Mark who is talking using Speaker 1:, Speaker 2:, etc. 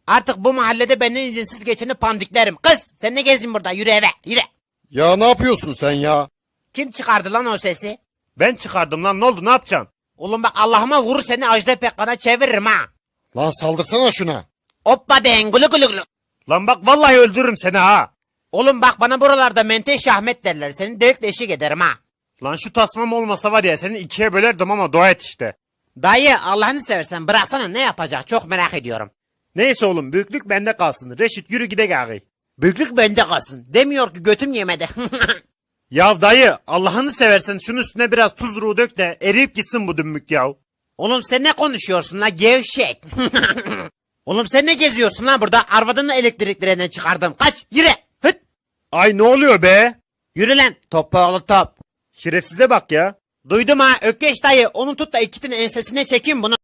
Speaker 1: Artık bu mahallede benden izinsiz geçeni pandiklerim. Kız sen ne gezdin burada, yürü eve yürü.
Speaker 2: Ya ne yapıyorsun sen ya?
Speaker 1: Kim çıkardı lan o sesi?
Speaker 3: Ben çıkardım lan, ne oldu, ne yapacaksın?
Speaker 1: Oğlum bak Allah'ıma vurur seni Ajda Pekkan'a çeviririm ha.
Speaker 2: Lan saldırsana şuna.
Speaker 1: Hoppa den gulu gulu gulu.
Speaker 3: Lan bak vallahi öldürürüm seni ha.
Speaker 1: Oğlum bak bana buralarda Menteş Ahmet derler. Seni delikle eşik ederim ha.
Speaker 3: Lan şu tasmam olmasa var ya seni ikiye bölerdim ama dua et işte.
Speaker 1: Dayı Allah'ını seversen bıraksana, ne yapacak çok merak ediyorum.
Speaker 3: Neyse oğlum, büyüklük bende kalsın. Reşit yürü gidek ağabey.
Speaker 1: Büyüklük bende kalsın. Demiyor ki götüm yemedi.
Speaker 3: Ya dayı Allah'ını seversen şunun üstüne biraz tuz dök de eriyip gitsin bu dümbük yav.
Speaker 1: Oğlum sen ne konuşuyorsun la gevşek? Oğlum sen ne geziyorsun lan burada? Arvadını elektriklerinden çıkardım. Kaç yürü. Hıt.
Speaker 3: Ay ne oluyor be?
Speaker 1: Yürü lan topoğlu top.
Speaker 3: Şerefsize bak ya.
Speaker 1: Duydum ha Ökkeş dayı, onu tut da iki tane ensesine çekeyim bunu.